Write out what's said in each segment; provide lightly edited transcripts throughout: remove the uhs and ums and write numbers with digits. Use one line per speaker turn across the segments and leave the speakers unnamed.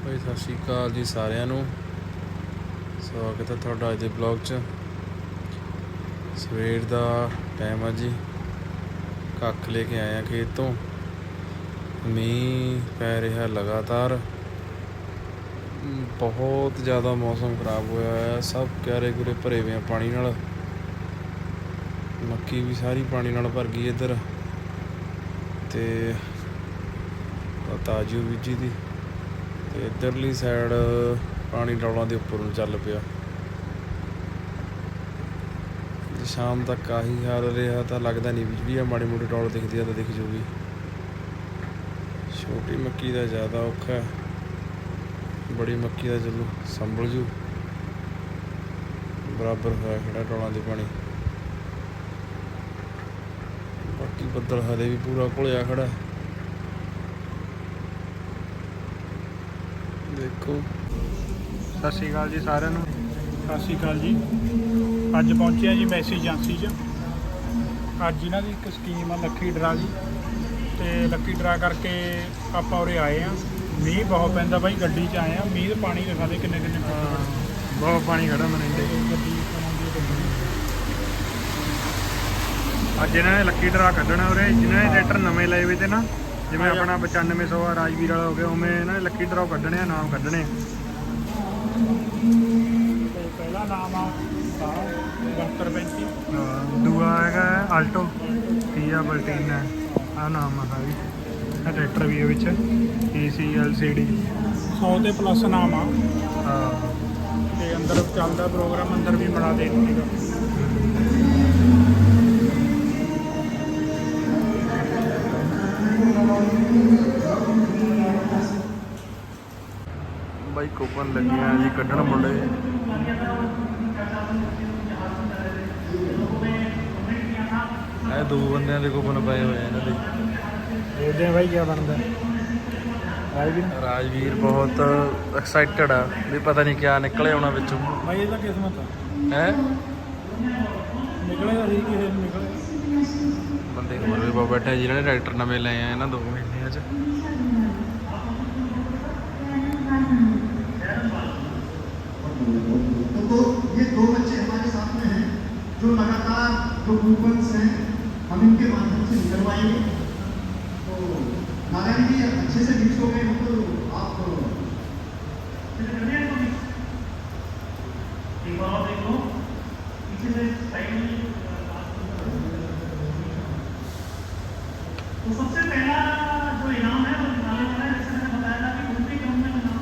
भाई सत श्री अकाल जी सारिਆਂ ਨੂੰ स्वागत है ਤੁਹਾਡਾ ਅੱਜ ਦੇ ਬਲੌਗ 'ਚ। ਸਵੇਰ ਦਾ ਟਾਈਮ ਆ ਜੀ, ਕੱਖ ਲੈ ਕੇ ਆਏ ਆ ਖੇਤ ਤੋਂ। ਮੀਂਹ ਪੈ ਰਿਹਾ ਲਗਾਤਾਰ, ਬਹੁਤ ਜ਼ਿਆਦਾ ਮੌਸਮ ਖਰਾਬ ਹੋਇਆ ਹੋਇਆ, ਸਭ ਕਿਆਰੇ ਕੁਰੇ ਭਰੇ ਹੋਏ ਆ ਪਾਣੀ ਨਾਲ। ਮੱਕੀ ਵੀ ਸਾਰੀ ਪਾਣੀ ਨਾਲ ਭਰ ਗਈ ਇੱਧਰ, ਤੇ ਤਾਜੂ ਬੀਜੀ ਦੀ, ਤੇ ਇੱਧਰਲੀ ਸਾਈਡ ਪਾਣੀ ਡੌਲਾਂ ਦੇ ਉੱਪਰ ਨੂੰ ਚੱਲ ਪਿਆ। ਜੇ ਸ਼ਾਮ ਤੱਕ ਆਹੀ ਹਾਲ ਰਿਹਾ ਤਾਂ ਲੱਗਦਾ ਨਹੀਂ ਵੀ ਜਿਹੜੀ ਆ ਮਾੜੀ ਮੋਟੀ ਡੌਲ ਦਿਖਦੀ ਆ ਤਾਂ ਦਿਖ ਜੂਗੀ। ਛੋਟੀ ਮੱਕੀ ਦਾ ਜ਼ਿਆਦਾ ਔਖਾ, ਬੜੀ ਮੱਕੀ ਦਾ ਚਲੋ ਸੰਭਲ ਜੂ। ਬਰਾਬਰ ਹੋਇਆ ਖੜਾ ਡੌਲਾਂ ਦੇ ਪਾਣੀ, ਬਾਕੀ ਬੱਦਲ ਹਲੇ ਵੀ ਪੂਰਾ ਘੁਲਿਆ ਖੜਾ। ਦੇਖੋ।
ਸਤਿ ਸ਼੍ਰੀ ਅਕਾਲ ਜੀ ਸਾਰਿਆਂ ਨੂੰ। ਸਤਿ ਸ਼੍ਰੀ ਅਕਾਲ ਜੀ। ਅੱਜ ਪਹੁੰਚੇ ਆ ਜੀ ਮੈਸੀ ਏਜੰਸੀ 'ਚ। ਅੱਜ ਇਹਨਾਂ ਦੀ ਇੱਕ ਸਕੀਮ ਆ ਲੱਕੀ ਡਰਾ ਦੀ, ਤੇ ਲੱਕੀ ਡਰਾ ਕਰਕੇ ਆਪਾਂ ਉਰੇ ਆਏ ਆ। ਮੀਂਹ ਬਹੁਤ ਪੈਂਦਾ ਬਾਈ, ਗੱਡੀ 'ਚ ਆਏ ਆ। ਮੀਂਹ ਦਾ ਪਾਣੀ ਦਿਖਾ ਦੇ ਕਿੰਨੇ ਬਹੁਤ ਪਾਣੀ ਖੜਾ ਮਰਿੰਡੇ। ਅੱਜ ਇਹਨਾਂ ਨੇ ਲੱਕੀ ਡਰਾ ਕੱਢਣਾ ਉਰੇ। ਜਿਹਨਾਂ ਨੇ ਟਰੈਕਟਰ ਨਵੇਂ ਲਏ ਵੇ ਤੇ ਨਾ, ਜਿਵੇਂ ਆਪਣਾ 9500 ਆ ਰਾਜਵੀਰ ਵਾਲਾ ਹੋ ਗਿਆ, ਉਵੇਂ ਇਹਨਾਂ ਨੇ ਲੱਕੀ ਡਰਾ ਕੱਢਣੇ ਆ, ਨਾਮ ਕੱਢਣੇ ਆ। ਪਹਿਲਾ ਨਾਮ ਆ 7235, ਦੂਆ ਹੈਗਾ ਆਲਟੋ, ਤੀਆ ਬਲਟੀਨਾ, ਆਹ ਨਾਮ ਆ ਸਾਰੀ। ਇਹ ਟਰੈਕਟਰ ਵੀ ਇਹ ਵਿੱਚ AC LCD 100 ਤੇ ਪਲੱਸ ਨਾਮ ਆ। ਤੇ ਅੰਦਰ ਚੱਲਦਾ ਪ੍ਰੋਗਰਾਮ, ਅੰਦਰ ਵੀ ਬਣਾ ਦੇ ਦਿੱਤੀਗਾ।
ਬਾਈ ਕੂਪਨ ਲੱਗੇ ਆ ਜੀ ਕੱਢਣ ਮੁੰਡੇ। ਇਹ ਦੋ ਬੰਦਿਆਂ ਦੇ ਕੂਪਨ ਪਏ ਹੋਏ ਆ ਇਹਨਾਂ ਦੇ।
ਦੇਖਦੇ ਆ ਬਾਈ ਕੀ ਬਣਦਾ।
ਰਾਜਵੀਰ ਬਹੁਤ ਐਕਸਾਈਟਡ ਆ ਵੀ ਪਤਾ ਨਹੀਂ ਕਿਆ ਨਿਕਲੇ ਆਉਣਾ ਵਿੱਚੋਂ।
ਬਾਈ ਇਹ ਤਾਂ ਕਿਸਮਤ ਆ,
ਹੈ
ਨਿਕਲੇਗਾ ਠੀਕ ਹੀ ਨਿਕਲੇ।
ਬੰਦੇ ਹੋਰ ਵੀ ਬਹੁਤ ਬੈਠੇ ਜਿਹਨਾਂ ਨੇ ਟਰੈਕਟਰ ਨਵੇਂ ਲਏ ਆ ਇਹਨਾਂ 2 ਮਹੀਨਿਆਂ 'ਚ।
तो ये 2 बच्चे हमारे साथ में हैं जो लगातार जो कूपन्स हैं हम इनके माध्यम से निकलवाएंगे। तो नारायण जी अच्छे से मिक्स हो गए हो तो आप देखो पीछे से साइड। तो सबसे पहला जो इनाम है वो निकालने वाला है, जैसे मैंने बताया था कि उनके क्रम में इनाम।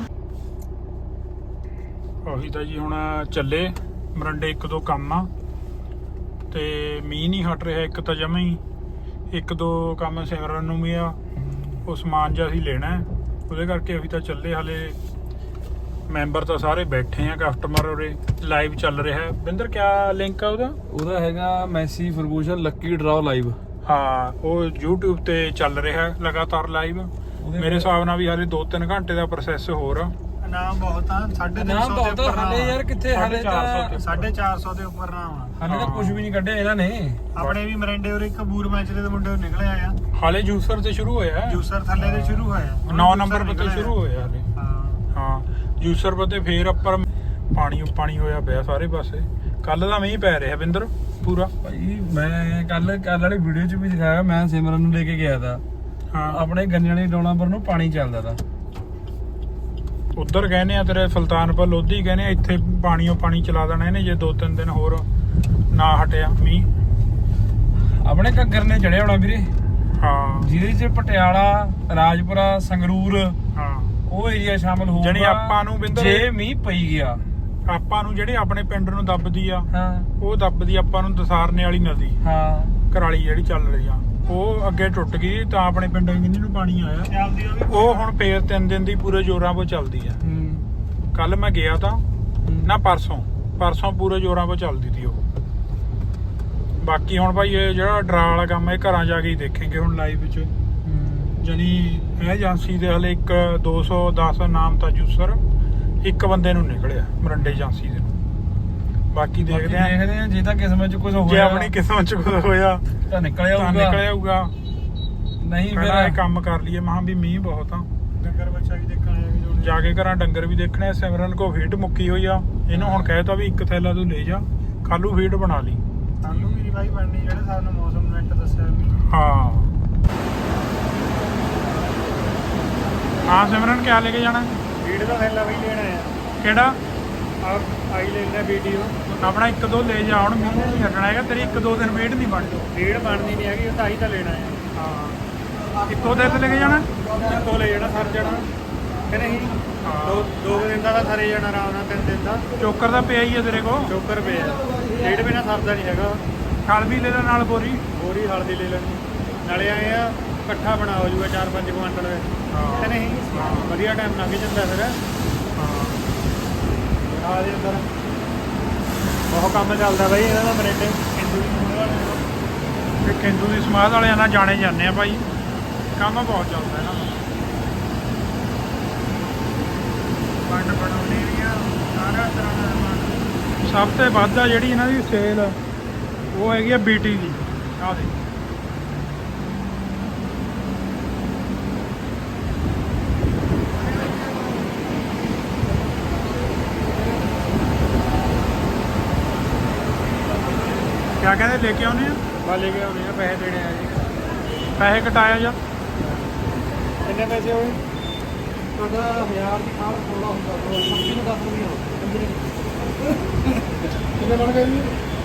ਉਹੀ ਤਾਂ ਜੀ ਹੁਣ ਚੱਲੇ ਮਰੰਡੇ 1-2 ਕੰਮ ਆ, ਤੇ ਮੀਂਹ ਨਹੀਂ ਹਟ ਰਿਹਾ ਇੱਕ ਤਾਂ ਜਮਾਂ ਹੀ। 1-2 ਕੰਮ ਸਿਮਰਨ ਨੂੰ ਵੀ ਆ, ਉਹ ਸਮਾਨ ਜਿਹਾ ਅਸੀਂ ਲੈਣਾ, ਉਹਦੇ ਕਰਕੇ ਅਸੀਂ ਤਾਂ ਚੱਲੇ। ਹਾਲੇ ਮੈਂਬਰ ਤਾਂ ਸਾਰੇ ਬੈਠੇ ਆ, ਕਸਟਮਰ ਉਰੇ ਲਾਈਵ ਚੱਲ ਰਿਹਾ ਹੈ। ਬਿੰਦਰ ਕਿਆ ਲਿੰਕ ਆ
ਉਹਦਾ ਹੈਗਾ Massey Ferguson lucky draw live.
ਹਾਂ, ਉਹ YouTube ਤੇ ਚੱਲ ਰਿਹਾ ਲਗਾਤਾਰ ਲਾਈਵ। ਮੇਰੇ ਹਿਸਾਬ ਨਾਲ ਵੀ ਹਾਲੇ 2-3 ਘੰਟੇ ਦਾ ਪ੍ਰੋਸੈਸ ਹੋਰ ਆ। ਨਾਮ ਬਹੁਤ ਆ, 350 ਦੇ ਉੱਪਰ
ਹਾਲੇ ਯਾਰ ਕਿੱਥੇ, ਹਾਲੇ ਤਾਂ
450 ਦੇ ਉੱਪਰ ਨਾਮ ਆ।
ਹਾਲੇ ਤਾਂ ਕੁਝ ਵੀ ਨਹੀਂ ਕੱਢਿਆ ਇਹਨਾਂ ਨੇ।
ਆਪਣੇ ਵੀ ਮਰਿੰਡੇ ਉਰੇ ਇੱਕ ਬੂਰ ਮੈਚ ਦੇ ਮੁੰਡੇ ਨਿਕਲੇ ਆ। ਹਾਲੇ ਜੂਸਰ ਤੇ ਸ਼ੁਰੂ ਹੋਇਆ, ਜੂਸਰ ਥੱਲੇ ਤੇ ਸ਼ੁਰੂ ਹੋਇਆ, 9 ਨੰਬਰ ਪੱਤੇ ਸ਼ੁਰੂ ਹੋਇਆ ਹਾਲੇ। ਹਾਂ ਜੂਸਰ ਪੱਤੇ ਫੇਰ ਉੱਪਰ ਪਾਣੀ ਹੋਇਆ ਪਿਆ ਸਾਰੇ ਪਾਸੇ। ਕੱਲ ਦਾ ਮੀਂਹ ਪੈ ਰਿਹਾ ਬਿੰਦਰ ਪੂਰਾ।
ਭਾਈ ਮੈਂ ਕੱਲ ਵਾਲੀ ਵੀਡੀਓ 'ਚ ਵੀ ਦਿਖਾਇਆ, ਮੈਂ ਸਿਮਰਨ ਨੂੰ ਲੈ ਕੇ ਗਿਆ ਤਾ।
ਹਾਂ,
ਆਪਣੇ ਗੰਨਿਆਂ ਵਾਲੀ ਡੋਲਾਂ ਪਰ ਨੂੰ ਪਾਣੀ ਚੱਲਦਾ ਤਾ।
ਉੱਧਰ ਕਹਿੰਦੇ ਆ ਤੇਰੇ ਸੁਲਤਾਨਪੁਰ ਲੋਧੀ ਕਹਿੰਦੇ ਆ ਇੱਥੇ ਪਾਣੀ ਚਲਾ ਦੇਣਾ ਇਹਨੇ ਜੇ 2-3 ਦਿਨ ਹੋਰ ਨਾ ਹਟਿਆ ਮੀਂਹ।
ਆਪਣੇ ਘੱਗਰ ਨੇ ਚੜਿਆ ਹੋਣਾ ਵੀਰੇ।
ਹਾਂ,
ਜਿਹਦੇ 'ਚ ਪਟਿਆਲਾ, ਰਾਜਪੁਰਾ, ਸੰਗਰੂਰ,
ਹਾਂ
ਉਹ ਏਰੀਆ ਸ਼ਾਮਲ ਹੋਊਗਾ।
ਜਾਣੀ ਆਪਾਂ ਨੂੰ ਬਿੰਦਰ
ਜੇ ਮੀਂਹ ਪਈ ਗਿਆ,
ਆਪਾਂ ਨੂੰ ਜਿਹੜੇ ਆਪਣੇ ਪਿੰਡ ਨੂੰ ਦੱਬਦੀ ਆ,
ਹਾਂ
ਉਹ ਦੱਬਦੀ ਆਪਾਂ ਨੂੰ ਦਸਾਰਨੇ ਵਾਲੀ ਨਦੀ,
ਹਾਂ
ਕਰਾਲੀ ਜਿਹੜੀ ਚੱਲ ਰਹੀ ਆ, ਉਹ ਅੱਗੇ ਟੁੱਟ ਗਈ ਤਾਂ ਆਪਣੇ ਪਿੰਡਾਂ ਕਿੰਨੀ ਨੂੰ ਪਾਣੀ ਆਇਆ। ਉਹ ਹੁਣ ਫੇਰ 3 ਦਿਨ ਦੀ ਪੂਰੇ ਜ਼ੋਰਾਂ 'ਤੇ ਚੱਲਦੀ ਆ। ਕੱਲ ਮੈਂ ਗਿਆ ਤਾਂ ਨਾ, ਪਰਸੋਂ ਪੂਰੇ ਜ਼ੋਰਾਂ 'ਤੇ ਚੱਲਦੀ ਤੀ ਉਹ। ਬਾਕੀ ਹੁਣ ਭਾਈ ਇਹ ਜਿਹੜਾ ਡਰਾ ਵਾਲਾ ਕੰਮ ਇਹ ਘਰਾਂ ਜਾ ਕੇ ਹੀ ਦੇਖਾਂਗੇ ਹੁਣ ਲਾਈਵ ਵਿੱਚ। ਜਾਨੀ ਇਹ ਏਜੰਸੀ ਦੇ ਹਲੇ 210 ਨਾਮ ਤਾਂ ਜੂਸਰ ਇੱਕ ਬੰਦੇ ਨੂੰ ਨਿਕਲਿਆ ਮਰੰਡੇ ਏਜੰਸੀ ਦੇ। ਬਾਕੀ ਦੇਖਦੇ ਆ
ਜੇ ਤਾਂ ਕਿਸਮਤ 'ਚ ਕੁਝ ਹੋਇਆ,
ਜੇ ਆਪਣੀ ਕਿਸਮਤ 'ਚ ਕੁਝ ਹੋਇਆ
ਤਾਂ ਨਿਕਲ ਆਊਗਾ।
ਨਹੀਂ ਫਿਰ ਇਹ ਕੰਮ ਕਰ ਲਈਏ। ਮਹਾਂ ਵੀ ਮੀਂਹ ਬਹੁਤ ਆ, ਡੰਗਰ ਬੱਚਾ ਵੀ ਦੇਖਣ ਆਇਆ ਜਾ ਕੇ ਘਰਾਂ ਡੰਗਰ ਵੀ ਦੇਖਣੇ ਆ। ਸਿਮਰਨ ਕੋ ਫੀਡ ਮੁੱਕੀ ਹੋਈ ਆ, ਇਹਨੂੰ ਹੁਣ ਕਹਿਤਾ ਵੀ ਇੱਕ ਥੈਲਾ ਤੂੰ ਲੈ ਜਾ, ਕੱਲੂ ਫੀਡ ਬਣਾ ਲਈ।
ਸਾਨੂੰ ਵੀ ਭਾਈ ਬਣਨੀ ਜਿਹੜੇ ਹਿਸਾਬ ਨਾਲ ਮੌਸਮ ਨੈਟ ਦੱਸਿਆ ਵੀ।
ਹਾਂ ਹਾਂ ਸਿਮਰਨ ਕਿਆ ਲੈ ਕੇ ਜਾਣਾ?
ਫੀਡ ਦਾ ਥੈਲਾ ਵੀ ਲੈਣਾ ਆ।
ਕਿਹੜਾ?
ਆਈ ਲੈਣਾ ਵੀਡੀਓ
ਆਪਣਾ 1-2 ਲੈ ਜਾ, ਹੁਣ ਮੀਂਹ ਨਹੀਂ ਹਟਣਾ ਹੈਗਾ ਤੇਰੀ। 1-2 ਦਿਨ ਫੀਡ ਨਹੀਂ ਬਣਨੀ।
ਫੀਡ ਬਣਨੀ ਨਹੀਂ ਹੈਗੀ, ਉਹ ਤਾਂ ਆਈ ਤਾਂ ਲੈਣਾ ਆ।
ਹਾਂ ਇੱਕੋ ਦਿਨ ਲੈ ਕੇ ਜਾਣਾ,
ਇੱਕੋ ਲੈ ਜਾਣਾ, ਸਰ ਜਾਣਾ ਕਿ ਨਹੀਂ? ਦੋ ਦਿਨ ਦਾ ਤਾਂ ਸਾਰੇ ਜਾਣਾ ਆਰਾਮ ਨਾਲ, 3 ਦਿਨ ਦਾ।
ਚੋਕਰ ਦਾ ਪਿਆ ਹੀ ਆ ਤੇਰੇ ਕੋਲ?
ਚੋਕਰ ਪਿਆ, ਫੀਡ ਬਿਨਾ ਸਰਦਾ ਨਹੀਂ ਹੈਗਾ।
ਹਲ ਵੀ ਲੈ ਲੈ ਨਾਲ ਬੋਰੀ।
ਬੋਰੀ ਹਲਦੀ ਲੈ ਲੈਣੀ, ਨਾਲੇ ਆਏ ਆ ਇਕੱਠਾ ਬਣਾ ਹੋ ਜੂਗਾ 4-5 ਕੁਆਂਟਲ ਕਿ ਨਹੀਂ? ਵਧੀਆ ਟਾਈਮ ਲੰਘ ਜਾਂਦਾ ਫਿਰ। ਆ ਦੇ ਅੰਦਰ ਬਹੁਤ ਕੰਮ ਚੱਲਦਾ ਬਾਈ ਇਹਨਾਂ ਦਾ ਮਰਿੰਡੇ ਹਿੰਦੂ
ਤੇ ਕੇਂਦੂ ਦੀ ਸਮਾਧ ਵਾਲਿਆਂ ਨਾਲ ਜਾਣੇ ਜਾਂਦੇ ਆ ਭਾਈ, ਕੰਮ ਬਹੁਤ ਚੱਲਦਾ ਇਹਨਾਂ ਦਾ।
ਪੰਡ ਬਣਾਉਣੀ ਵੀ ਆ, ਸਾਰਾ ਤਰ੍ਹਾਂ ਦਾ ਸਮਾਨ।
ਸਭ ਤੋਂ ਵੱਧ ਆ ਜਿਹੜੀ ਇਹਨਾਂ ਦੀ ਸੇਲ ਉਹ ਹੈਗੀ ਆ BT ਦੀ। ਆਹ ਦੇ ਕਿਆ ਕਹਿੰਦੇ ਲੈ ਕੇ ਆਉਨੇ ਆ?
ਬਾ ਲੈ ਕੇ ਆਉਣੇ ਆ, ਪੈਸੇ ਦੇਣੇ ਆ ਜੀ।
ਪੈਸੇ ਕਟਾਇਆ ਜਾਂ
ਕਿੰਨੇ ਪੈਸੇ ਹੋਏ? ਤੁਹਾਡਾ 1000 ਦੀ ਖਾਲ 16 ਹੁੰਦਾ, 25 ਨੂੰ 10 ਰੁਪਏ ਕਿੰਨੇ ਬਣ ਗਏ ਜੀ?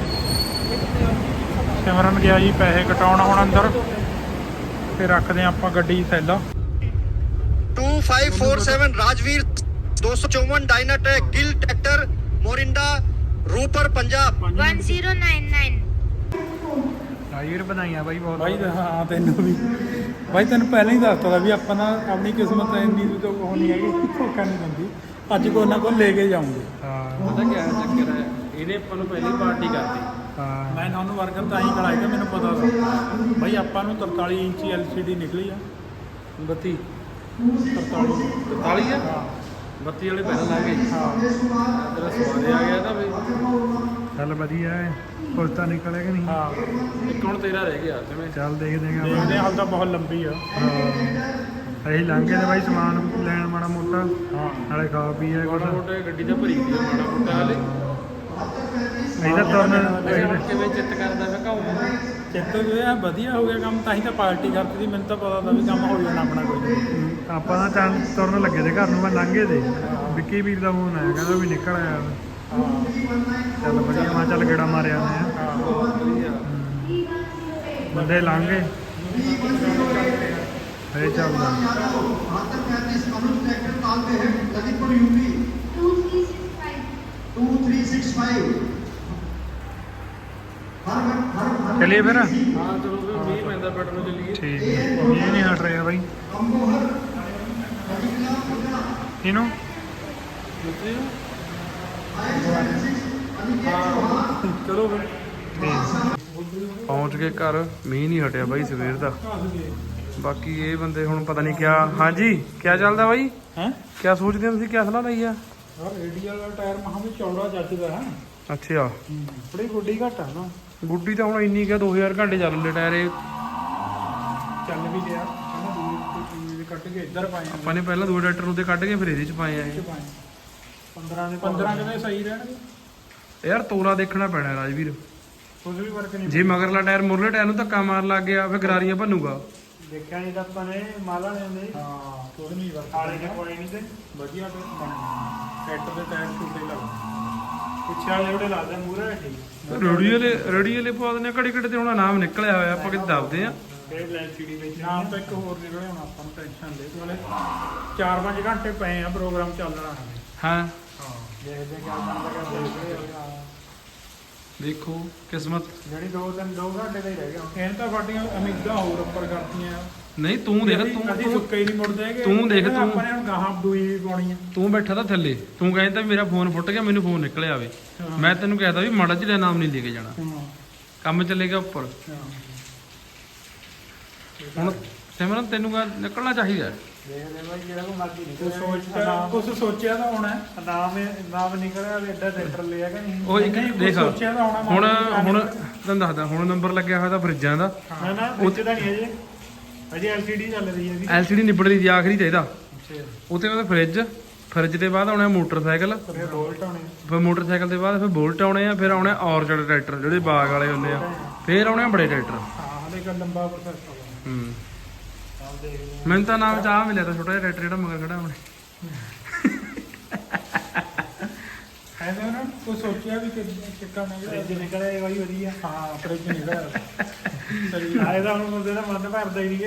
ਸਿਮਰਨ ਗਿਆ ਜੀ ਪੈਸੇ ਕਟਾਉਣ ਹੁਣ ਅੰਦਰ, ਤੇ ਰੱਖਦੇ ਆ ਆਪਾਂ ਗੱਡੀ ਥੈਲਾ।
2547 राजवीर 254 डायनाटेक गिल ट्रैक्टर मोरिंडा रूपर पंजाब
1099
ਰਾਜਵੀਰ ਬਣਾਈਆਂ ਬਾਈ ਬਹੁਤ।
ਬਾਈ ਹਾਂ ਤੈਨੂੰ ਵੀ ਬਾਈ, ਤੈਨੂੰ ਪਹਿਲਾਂ ਹੀ ਦੱਸਤਾ ਵੀ ਆਪਾਂ ਨਾ ਆਪਣੀ ਕਿਸਮਤ ਇੰਨੀ ਤੋਂ ਉਹ ਨਹੀਂ ਹੈਗੀ, ਧੋਖਾ ਨਹੀਂ ਦਿੰਦੀ। ਅੱਜ ਕੋਈ ਨਾ ਕੋਈ ਲੈ ਕੇ ਜਾਊਂਗੇ।
ਹਾਂ
ਪਤਾ ਕੀ ਚੱਕਰ ਹੈ, ਇਹਨੇ ਆਪਾਂ ਨੂੰ ਪਹਿਲੀ ਪਾਰਟੀ ਕਰਤੀ।
ਹਾਂ
ਮੈਂ ਤੁਹਾਨੂੰ ਵਰਕਰ ਤਾਂ ਹੀ ਕਰਾਏਗਾ, ਮੈਨੂੰ ਪਤਾ ਸੀ ਬਾਈ ਆਪਾਂ ਨੂੰ 43 ਇੰਚੀ LCD ਨਿਕਲੀ ਆ।
32
43
43 ਆ। 32 ਵਾਲੇ ਪਹਿਲਾਂ ਲਾ ਗਏ। ਤੇਰਾ ਸਵਾਦ ਆ ਗਿਆ ਤਾਂ ਬਈ।
ਚੱਲ ਵਧੀਆ ਹੈ, ਕੁਛ ਤਾਂ ਨਿਕਲਿਆ ਕਿ ਨਹੀਂ?
ਹਾਂ
ਇੱਕ ਹੁਣ ਤੇਰਾ ਰਹਿ ਗਿਆ ਜਿਵੇਂ।
ਚੱਲ ਦੇਖਦੇ ਹਾਂ।
ਦੇਖਦੇ ਹਾਂ, ਹਾਲ ਤਾਂ ਬਹੁਤ ਲੰਬੀ ਆ।
ਅਸੀਂ ਲੰਘੇ ਤੇ ਬਾਈ ਸਮਾਨ ਲੈਣ ਮਾੜਾ ਮੋਟਾ,
ਹਾਂ
ਨਾਲੇ ਖਾ ਪੀ ਆਏ ਕੁਛ।
ਮਾੜਾ ਮੋਟਾ ਗੱਡੀ ਤਾਂ ਭਰੀ ਦੀ ਆ, ਮਾੜਾ ਮੋਟਾ ਹਾਲੇ।
ਅਸੀਂ ਤਾਂ ਤੁਰਨ
ਕਿਵੇਂ ਚਿੱਤ ਕਰਦਾ ਮੈਂ ਕਹੂੰ।
ਚਿੱਤ ਇਹ ਵਧੀਆ ਹੋ ਗਿਆ ਕੰਮ, ਤਾਂ ਹੀ ਤਾਂ ਪਾਰਟੀ ਕਰਤੀ ਸੀ। ਮੈਨੂੰ ਤਾਂ ਪਤਾ ਤਾਂ ਵੀ ਕੰਮ ਹੋ ਜਾਣਾ ਆਪਣਾ ਕੋਈ।
ਆਪਾਂ ਤਾਂ ਚੱਲ ਤੁਰਨ ਲੱਗੇ ਤੇ ਘਰ ਨੂੰ, ਮੈਂ ਲੰਘੇ ਤੇ ਵਿੱਕੀ ਵੀਰ ਦਾ ਫੋਨ ਆਇਆ, ਕਹਿੰਦਾ ਵੀ ਨਿਕਲ ਆਇਆ। ਚੱਲ ਵਧੀਆ, ਮੈਂ ਚੱਲ ਗੇੜਾ ਮਾਰਿਆ ਆਉਂਦੇ ਆ।
ਬਹੁਤ ਵਧੀਆ।
ਬੰਦੇ ਲੰਘੇ ਫੇਰ ਚੱਲਦਾ।
7235 अनुज ट्रैक्टर ताल पे है ललितपुर यूपी 2365
चलिए फिर।
ਹਾਂ ਚਲੋ ਫਿਰ ਮੀਂਹ ਪੈਂਦਾ ਪਿੰਡ ਨੂੰ ਚੱਲੀਏ।
ਠੀਕ ਹੈ, ਇਹ ਨਹੀਂ ਹਟ ਰਿਹਾ ਬਾਈ ਇਹਨੂੰ।
ਚਲੋ ਫਿਰ ਪਹੁੰਚ ਗਏ ਘਰ। ਮੀਂਹ ਨਹੀਂ ਹਟਿਆ ਬਾਈ ਸਵੇਰ ਦਾ। ਬਾਕੀ ਇਹ ਬੰਦੇ ਹੁਣ ਪਤਾ ਨਹੀਂ ਕਿਆ। ਹਾਂਜੀ ਕਿਆ ਚੱਲਦਾ ਬਾਈ?
ਹੈ
ਕਿਆ ਸੋਚਦੇ ਹੋ ਤੁਸੀਂ? ਕਿਆ ਸਲਾਹ ਲਈ ਆ?
ਯਾਰ ਰੇਡੀਅਲ ਵਾਲਾ ਟਾਇਰ ਮਹਾ ਵੀ ਚੌੜਾ ਜੱਜਦਾ ਹੈ।
ਅੱਛਾ
ਬੜੀ ਗੁੱਡੀ ਘੱਟ ਆ ਨਾ।
ਗੁੱਡੀ ਤਾਂ ਹੁਣ ਇੰਨੀ ਕਿ 2000 ਘੰਟੇ ਚੱਲ ਲਏ ਟਾਇਰ ਇਹ।
ਚੱਲ ਵੀ ਗਿਆ ਕਹਿੰਦਾ ਦੂਰ ਕੱਟ ਕੇ ਇੱਧਰ ਪਾਏ ਆ।
ਆਪਾਂ ਨੇ ਪਹਿਲਾਂ ਦੋ ਟਰੈਕਟਰ ਉੱਤੇ ਕੱਢ ਕੇ ਫਿਰ ਇਹਦੇ ਚ ਪਾਏ ਆ ਇਹ।
15 ਕਿਵੇਂ ਸਹੀ ਰਹਿਣਗੇ
ਯਾਰ ਤੋਰਾ ਦੇਖਣਾ ਪੈਣਾ ਰਾਜਵੀਰ।
ਕੁਝ ਵੀ ਫਰਕ ਨਹੀਂ
ਜੇ ਮਗਰਲਾ ਟਾਇਰ ਮੁਰਲੇ ਟਾਇਰ ਨੂੰ ਧੱਕਾ ਮਾਰ ਲੱਗ ਗਿਆ ਫਿਰ ਗਰਾਰੀਆਂ ਭੰਨੂਗਾ।
ਦੇਖਿਆ ਨਹੀਂ ਤਾਂ ਆਪਾਂ ਨੇ ਮਾਲਾ ਨੇ ਹੁੰਦੇ
ਹਾਂ ਕੁਝ ਨਹੀਂ ਫਰਕ
ਆਲੇ ਨੇ ਕੋਈ ਨਹੀਂ ਤੇ
ਵਧੀਆ ਤੇ ਟਰੈਕਟਰ ਦੇ ਟਾਇਰ ਛੋਟੇ ਲੱਗਦੇ।
ਪਿੱਛੇ ਵਾਲੇ ਜਿਹੜੇ ਲਾਦੇ ਮੂਹਰੇ ਠੀਕ।
ਰੇੜੀ ਵਾਲੇ ਪਵਾ ਦਿੰਦੇ ਘੜੀ ਘੜੀ ਤੇ ਹੁਣ ਨਾਮ ਨਿਕਲਿਆ ਹੋਇਆ ਆਪਾਂ ਕਿਤੇ ਦੱਬਦੇ ਆ।
ਫੇਰ LCD ਵਿੱਚ
ਨਾਮ ਤਾਂ ਇੱਕ ਹੋਰ ਨਿਕਲਿਆ ਹੁਣ ਆਪਾਂ ਨੂੰ ਟੈਨਸ਼ਨ ਦੇ ਵਾਲੇ 4-5 ਘੰਟੇ ਪਏ ਆ ਪ੍ਰੋਗਰਾਮ ਚੱਲਣਾ ਹੈ।
ਹਾਂ
ਹਾਂ ਦੇਖਦੇ ਕਿਆ ਬਣਦਾ ਕਿਆ ਦੇਖਦੇ ਆ।
ਦੇਖੋ ਕਿਸਮਤ।
ਜਿਹੜੀ 2 ਘੰਟੇ ਦਾ ਹੀ ਰਹਿ ਗਿਆ।
ਇਹਨਾਂ ਤਾਂ ਸਾਡੀਆਂ ਉਮੀਦਾਂ ਹੋਰ ਉੱਪਰ ਕਰਤੀਆਂ।
ਨਹੀਂ ਤੂੰ ਦੇਖ
ਅਸੀਂ
ਤੂੰ
ਸੁੱਕੇ ਹੀ ਨਹੀਂ ਮੁੜਦੇ ਹੈਗੇ।
ਤੂੰ ਦੇਖ
ਇਹਨਾਂ ਦਾ
ਤੂੰ।
ਆਪਾਂ ਨੇ ਹੁਣ ਗਾਹਾਂ ਦੂਈ ਵੀ ਪਾਉਣੀ ਆ।
ਤੂੰ ਬੈਠਾ ਤਾਂ ਥੱਲੇ ਤੂੰ ਕਹਿੰਦਾ ਵੀ ਮੇਰਾ ਫੋਨ ਫੁੱਟ ਗਿਆ ਮੈਨੂੰ ਫੋਨ ਨਿਕਲਿਆ ਆਵੇ।
ਹਾਂ।
ਮੈਂ ਤੈਨੂੰ ਕਹਿਤਾ ਵੀ ਮਾੜਾ ਜਿਹਾ ਨਾਮ ਨਹੀਂ ਲੈ ਕੇ ਜਾਣਾ।
ਹਾਂ
ਕੰਮ ਚੱਲੇਗਾ ਉੱਪਰ। ਹੁਣ ਸਿਮਰਨ ਤੈਨੂੰ ਕਾ ਨਿਕਲਣਾ ਚਾਹੀਦਾ।
ਦੇਖਦੇ ਬਾਈ ਜਿਹੜਾ ਕੋ ਮਰਜ਼ੀ
ਕੁਝ ਸੋਚਿਆ ਤਾਂ ਹੋਣਾ।
ਨਾਮ ਨਿਕਲਿਆ ਵੀ ਐਡਾ ਟਰੈਕਟਰ ਲਿਆ ਕਿ ਨਹੀਂ?
ਉਹ ਇੱਕ
ਨਹੀਂ,
ਦੇਖ
ਸੋਚਿਆ ਤਾਂ ਹੋਣਾ।
ਹੁਣ ਤੈਨੂੰ ਦੱਸਦਾ ਹੁਣ ਨੰਬਰ ਲੱਗਿਆ ਹੋਇਆ ਤਾਂ ਫਰਿੱਜਾਂ ਦਾ।
ਨਾ ਵਿੱਚ ਤਾਂ ਨਹੀਂ ਅਜੇ LCD ਚੱਲ ਰਹੀ ਹੈ ਇਹਦੀ।
LCD ਨਿਬੜ ਰਹੀ ਦੀ ਆਖਰੀ ਤੇ ਇਹਦਾ।
ਅੱਛਾ
ਉੱਤੇ ਉਹਦਾ ਫਰਿੱਜ ਫਰਿੱਜ ਦੇ ਬਾਅਦ ਆਉਣਾ ਮੋਟਰਸਾਈਕਲ,
ਫਿਰ ਬੋਲਟ ਆਉਣੇ
ਫਿਰ ਮੋਟਰਸਾਈਕਲ ਦੇ ਬਾਅਦ ਫਿਰ ਬੁਲਟ ਆਉਣੇ ਆ, ਫਿਰ ਆਉਣੇ ਔਰਚਡ ਟਰੈਕਟਰ ਜਿਹੜੇ ਬਾਗ ਵਾਲੇ ਹੁੰਦੇ ਆ, ਫਿਰ ਆਉਣੇ ਆ ਬੜੇ ਟਰੈਕਟਰ।
ਹਾਂ ਹਲੇ ਇੱਕ ਲੰਬਾ ਪ੍ਰੋਸੈਸ ਹੋਗਾ।
ਹੂੰ ਮੈਨੂੰ ਤਾਂ ਨਾਮ ਚਾਹ ਮਿਲਿਆ ਤਾਂ ਛੋਟਾ ਜਿਹਾ ਟਰੈਕਟਰ ਜਿਹੜਾ ਮਗਰ ਖੜਾ ਆਪਣੇ।
ਐਵੇਂ ਉਹਨਾਂ ਕੋਈ ਸੋਚਿਆ ਵੀ ਕਿ ਕਿੱਕਾ
ਫ੍ਰਿਜ ਨਿਕਲੇ ਬਾਈ ਵਧੀਆ।
ਹਾਂ ਫਰਿੱਜ ਨਿਕਲਿਆ ਸਹੀ
ਆਏ ਤਾਂ ਹੁਣ ਬੰਦੇ ਦਾ ਮਨ ਭਰਦਾ ਹੀ ਨਹੀਂ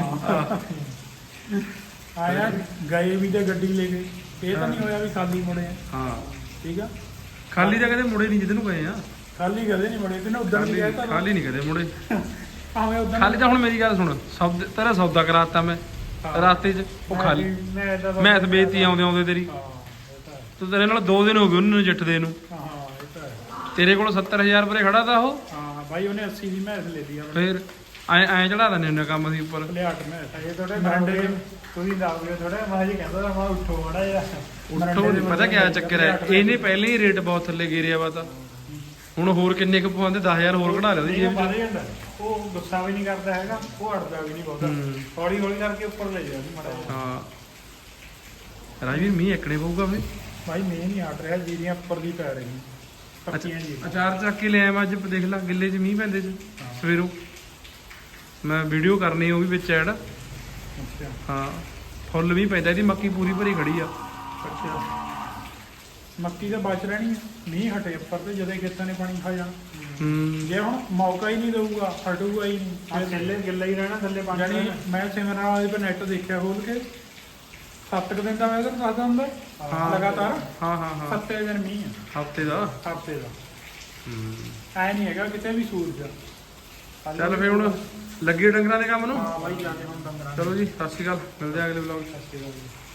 ਕਿ
ਆਇਆ ਗਏ ਵੀ ਤੇ ਗੱਡੀ ਲੈ ਗਏ, ਇਹ ਤਾਂ ਨਹੀਂ ਹੋਇਆ ਵੀ ਖਾਲੀ ਮੁੜੇ ਆ।
ਹਾਂ
ਠੀਕ ਆ,
ਖਾਲੀ ਤਾਂ ਕਦੇ ਮੁੜੇ ਨਹੀਂ ਜਿੱਦ ਨੂੰ ਗਏ ਆ,
ਖਾਲੀ ਕਦੇ ਨਹੀਂ ਮੁੜੇ, ਤੇ ਨਾ ਉਦੋਂ ਵੀ ਤਾਂ
ਖਾਲੀ ਨਹੀਂ ਕਦੇ ਮੁੜੇ।
ਭਾਵੇਂ ਉਦੋਂ
ਖਾਲੀ ਤਾਂ ਹੁਣ ਮੇਰੀ ਗੱਲ ਸੁਣ, ਤੇਰਾ ਸੌਦਾ ਕਰਾਤਾ ਮੈਂ ਰਾਸਤੇ 'ਚ, ਉਹ ਖਾਲੀ ਮੈਂ ਬੇਤੀ ਆਉਂਦੇ ਆਉਂਦੇ ਤੇਰੀ,
ਹਾਂ ਇਹ ਤਾਂ ਹੈ।
ਤੂੰ ਤੇਰੇ ਨਾਲ 2 ਦਿਨ ਹੋ ਗਏ ਉਹਨੂੰ ਜੱਟਦੇ ਨੂੰ,
ਹਾਂ ਇਹ ਤਾਂ ਹੈ।
ਤੇਰੇ ਕੋਲ 70,000 ਰੁਪਏ ਖੜਾ ਤਾ ਉਹ,
ਹਾਂ ਬਾਈ ਉਹਨੇ 80 ਦੀ ਮੈਸ ਲੈ ਲਈ ਆ
ਫਿਰ ਐਂ ਚੜਾ ਦਿੰਦੇ ਹੁੰਦੇ ਕੰਮ ਅਸੀਂ ਉੱਪਰ।
ਲਿਆਟ ਮੈਸ
ਇਹ ਥੋੜੇ
ਮਰੰਡੇ
ਮਰੰਡੇ ਤੁਸੀਂ ਦੱਸ ਦਿਓ ਥੋੜਾ, ਮੈਂ ਜੀ ਕਹਿੰਦਾ ਤਾਂ ਮੈਂ ਉੱਠੋ ਮਾੜਾ ਜਿਹਾ।
ਉੱਠੋ ਨੀ, ਪਤਾ ਕਿਆ ਚੱਕਰ ਹੈ, ਇਹਨੇ ਪਹਿਲੇ ਹੀ ਰੇਟ ਬਹੁਤ ਥੱਲੇ ਗਿਰਿਆ ਵਾ ਤਾਂ ਹੁਣ ਹੋਰ ਕਿੰਨੇ ਕੁ ਪਵਾਉਂਦੇ, 10,000 ਹੋਰ ਕਢਾ ਲਿਆ ਉਹਦੀ
ਇਹ
ਜੇਬ
ਵੱਧ
'ਚ।
ਜਾਂਦਾ, ਉਹ ਗੁੱਸਾ ਵੀ ਨਹੀਂ ਕਰਦਾ ਹੈਗਾ, ਉਹ ਅੜਦਾ ਵੀ ਨਹੀਂ ਬਹੁਤਾ,
ਹੂੰ।
ਹੌਲੀ ਹੌਲੀ ਕਰਕੇ ਉੱਪਰ ਲੈ ਜਾਂਦਾ ਮਾੜਾ ਜਿਹਾ।
ਹਾਂ ਰਾਜਵੀਰ ਮੀਂਹ ਇੱਕਣੇ ਪਊਗਾ ਫੇ।
ਬਾਈ ਮੈਂ ਨਹੀਂ ਹਟ ਰਿਹਾ, ਜੀਰੀਆਂ ਉੱਪਰ ਦੀ ਪੈ ਰਹੀ ਪੱਕੀਆਂ ਜੀ।
ਅਚਾਰ ਚੱਕ ਕੇ ਲਿਆਇਆ ਮੈਂ ਅੱਜ, ਦੇਖ ਲਾ ਗਿੱਲੇ 'ਚ ਮੀਂਹ ਪੈਂਦੇ 'ਚ ਸਵੇਰੋਂ। ਮੈਂ ਵੀਡੀਓ ਕਰਨੀ ਉਹ ਵੀ ਵਿੱਚ ਐਡ।
ਅੱਛਾ
ਹਾਂ ਫੁੱਲ ਮੀਂਹ ਪੈਂਦਾ, ਇਹਦੀ ਮੱਕੀ ਪੂਰੀ ਭਰੀ ਖੜੀ ਆ।
ਅੱਛਾ ਮੱਕੀ ਤਾਂ ਬਚ ਰਹਿਣੀ ਆ, ਮੀਂਹ ਹਟੇ ਉੱਪਰ ਤੇ ਜਦੋਂ ਖੇਤਾਂ ਨੇ ਪਾਣੀ ਖਾ ਜਾਣਾ।
ਹੂੰ
ਜੇ ਹੁਣ ਮੌਕਾ ਹੀ ਨਹੀਂ ਦਊਗਾ, ਹਟੂਗਾ ਹੀ
ਆਹ
ਨਹੀਂ।
ਥੱਲੇ ਗਿੱਲਾ ਹੀ ਰਹਿਣਾ, ਥੱਲੇ ਪਾਣੀ
ਜਾਨੀ
ਰਹਿਣਾ।
ਮੈਂ ਸਿਮਰਨ ਵਾਲੇ ਤੇ ਨੈਟ ਦੇਖਿਆ ਖੋਲ ਕੇ, 7 ਦਿਨ ਦਾ ਮੈਂ ਤੁਹਾਨੂੰ ਦੱਸਦਾ ਹੁੰਦਾ
ਹਾਂ।
ਲਗਾਤਾਰ
ਹਾਂ ਹਾਂ ਹਾਂ
7 ਦਿਨ ਮੀਂਹ ਆ
ਹਫਤੇ ਦਾ।
ਹਫ਼ਤੇ ਦਾ।
ਹੂੰ
ਐ ਨਹੀਂ ਹੈਗਾ ਕਿਤੇ ਵੀ ਸੂਰਜ ਆ।
ਚੱਲ ਫੇ ਹੁਣ ਲੱਗੇ ਡੰਗਰਾਂ ਦੇ ਕੰਮ ਨੂੰ।
ਹਾਂ ਬਾਈ ਜਾਣੇ ਹੁਣ ਡੰਗਰਾਂ
ਚਲੋ ਜੀ ਸਤਿ ਸ਼੍ਰੀ ਅਕਾਲ, ਮਿਲਦੇ ਆ ਅਗਲੇ ਵਲੌਗ 'ਚ।
ਸਤਿ ਸ਼੍ਰੀ ਅਕਾਲ ਜੀ।